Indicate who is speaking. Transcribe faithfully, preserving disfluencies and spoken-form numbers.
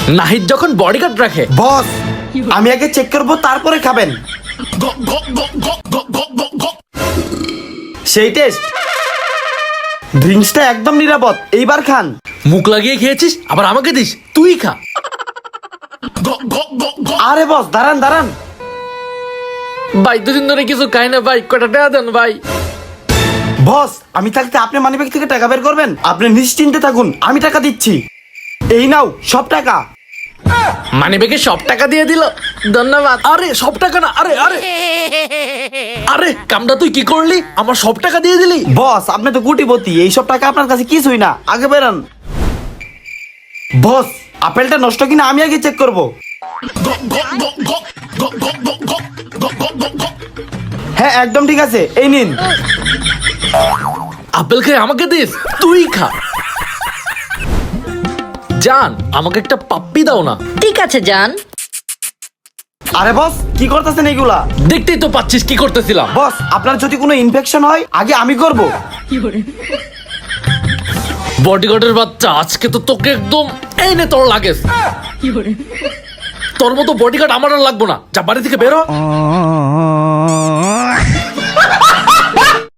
Speaker 1: নাহিদ যখন বডিগার্ড রাখে।
Speaker 2: বস আমি আগে চেক করবো তারপরে খাবেন। সেই টেস্ট, ড্রিঙ্কসটা একদম নিরাপদ, এইবার খান।
Speaker 1: মুখ লাগিয়ে খেয়েছিস আবার আমাকে দিস, তুই খা।
Speaker 2: আরে বস দাঁড়ান দাঁড়ান,
Speaker 1: ভাই দুদিন ধরে কিছু খাই না ভাই, কটা টাকা দেন ভাই।
Speaker 2: বস আমি থাকতে আপনি মানিব্যাগ থেকে টাকা বের করবেন? আপনি নিশ্চিন্তে থাকুন, আমি টাকা দিচ্ছি। এই নাও সব টাকা।
Speaker 1: মানি ব্যাগে সব টাকা দিয়ে দিল, ধন্যবাদ। আরে সব টাকা না, আরে আরে আরে কামটা তুই কি করলি, আমার সব টাকা দিয়ে দিলি।
Speaker 2: বস আপনি তো কোটিপতি, এইসব টাকা আপনার কাছে কিছুই না, আগে বেরান। বস আপেলটা নষ্ট কিনা আমি আগে চেক করব। হ্যাঁ একদম ঠিক আছে, এই নিন।
Speaker 1: আপেল খেয়ে আমাকে দিস, তুই খা। জান আমাকে একটা পাপ্পি দাও না।
Speaker 3: ঠিক আছে জান।
Speaker 2: আরে বস কি করতেছেন এইগুলা?
Speaker 1: দেখতেই তো পাচ্ছিস কি করতেছিলাম।
Speaker 2: বস আপনার যদি কোনো ইনফেকশন হয় আগে আমি করব।
Speaker 1: বডিগার্ডের বাচ্চা, আজকে তো তোকে একদম, এই নে তোর লাগেজ। তোর মতো বডিগার্ড আমার আর লাগবো না, যা বাড়ি থেকে বেরো।